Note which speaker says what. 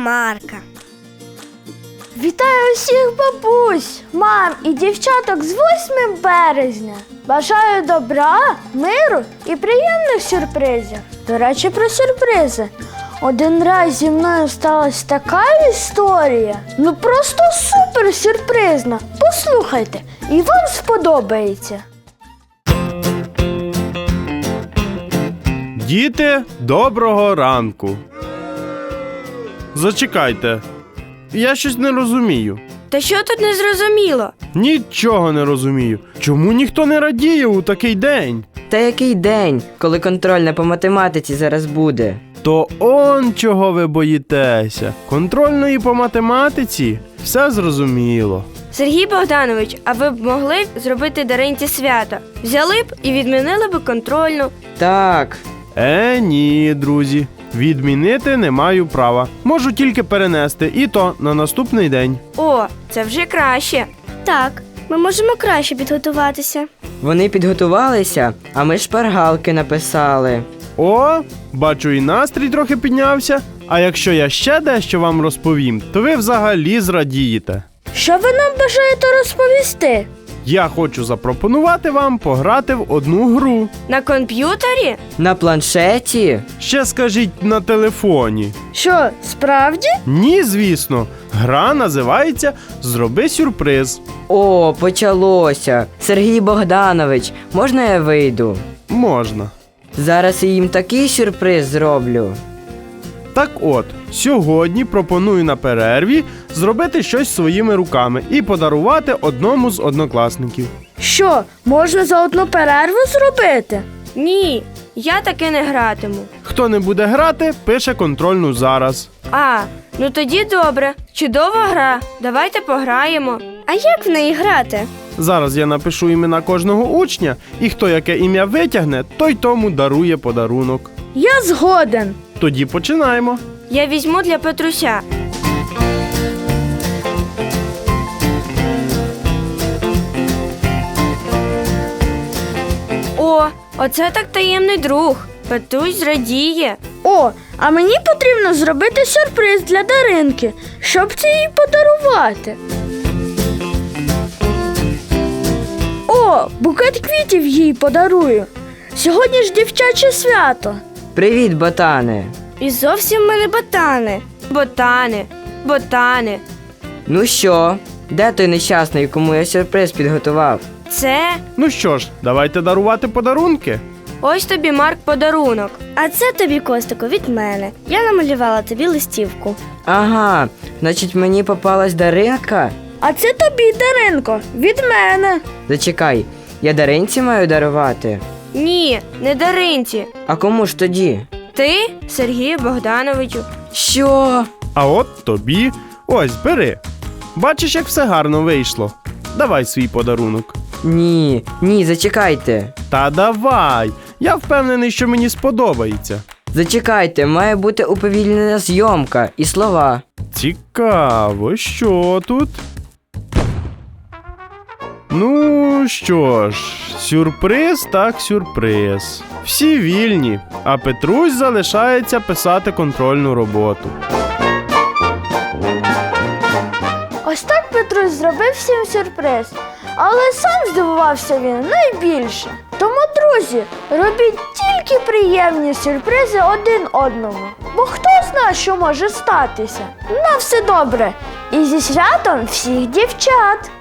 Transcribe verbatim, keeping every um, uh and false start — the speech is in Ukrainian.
Speaker 1: Марка.
Speaker 2: Вітаю всіх бабусь, мам і дівчаток з восьмим березня. Бажаю добра, миру і приємних сюрпризів. До речі, про сюрпризи. Один раз зі мною сталася така історія. Ну просто супер сюрпризна. Послухайте, і вам сподобається.
Speaker 3: Діти, доброго ранку. Зачекайте, я щось не розумію.
Speaker 1: Та що тут не зрозуміло?
Speaker 3: Нічого не розумію. Чому ніхто не радіє у такий день?
Speaker 4: Та який день, коли контрольна по математиці зараз буде?
Speaker 3: То он чого ви боїтеся. Контрольної по математиці? Все зрозуміло.
Speaker 1: Сергій Богданович, а ви б могли зробити Даринці свято? Взяли б і відмінили б контрольну.
Speaker 4: Так.
Speaker 3: Е, ні, друзі. Відмінити не маю права. Можу тільки перенести, і то на наступний день.
Speaker 1: О, це вже краще.
Speaker 2: Так, ми можемо краще підготуватися.
Speaker 4: Вони підготувалися, а ми шпаргалки написали.
Speaker 3: О, бачу, і настрій трохи піднявся. А якщо я ще дещо вам розповім, то ви взагалі зрадієте.
Speaker 2: Що ви нам бажаєте розповісти?
Speaker 3: Я хочу запропонувати вам пограти в одну гру.
Speaker 1: На комп'ютері?
Speaker 4: На планшеті?
Speaker 3: Ще скажіть, на телефоні.
Speaker 2: Що, справді?
Speaker 3: Ні, звісно. Гра називається «Зроби сюрприз».
Speaker 4: О, почалося. Сергій Богданович, можна я вийду?
Speaker 3: Можна.
Speaker 4: Зараз я їм такий сюрприз зроблю.
Speaker 3: Так от, сьогодні пропоную на перерві зробити щось своїми руками і подарувати одному з однокласників.
Speaker 2: Що, можна за одну перерву зробити?
Speaker 1: Ні, я таки не гратиму.
Speaker 3: Хто не буде грати, пише контрольну зараз.
Speaker 1: А, ну тоді добре. Чудова гра. Давайте пограємо.
Speaker 2: А як в неї грати?
Speaker 3: Зараз я напишу імена кожного учня, і хто яке ім'я витягне, той тому дарує подарунок.
Speaker 2: Я згоден.
Speaker 3: Тоді починаємо.
Speaker 1: Я візьму для Петруся. О, оце так таємний друг. Петрусь зрадіє.
Speaker 2: О, а мені потрібно зробити сюрприз для Даринки, щоб це їй подарувати. О, букет квітів їй подарую. Сьогодні ж дівчаче свято.
Speaker 4: Привіт, ботане.
Speaker 2: І зовсім ми не ботани.
Speaker 1: Ботани, ботани.
Speaker 4: Ну що, де той нещасний, кому я сюрприз підготував?
Speaker 1: Це
Speaker 3: Ну що ж, давайте дарувати подарунки.
Speaker 1: ось тобі, Марк, подарунок.
Speaker 2: А це тобі, Костику, від мене. Я намалювала тобі листівку.
Speaker 4: Ага, значить мені попалась Даринка?
Speaker 2: А це тобі, Даринко, від мене.
Speaker 4: Зачекай, я Даринці маю дарувати?
Speaker 1: Ні, не Даринці.
Speaker 4: А кому ж тоді?
Speaker 1: Ти, Сергію Богдановичу.
Speaker 4: Що?
Speaker 3: А от тобі. Ось, бери. Бачиш, як все гарно вийшло. Давай свій подарунок.
Speaker 4: Ні, ні, зачекайте.
Speaker 3: Та давай. Я впевнений, що мені сподобається.
Speaker 4: Зачекайте, має бути уповільнена зйомка і слова.
Speaker 3: Цікаво, що тут? Ну, що ж, сюрприз так сюрприз. Всі вільні, а Петрусь залишається писати контрольну роботу.
Speaker 2: Ось так Петрусь зробив всім сюрприз. Але сам здивувався він найбільше. Тому, друзі, робіть тільки приємні сюрпризи один одному. Бо хто знає, що може статися. На все добре. І зі святом всіх дівчат!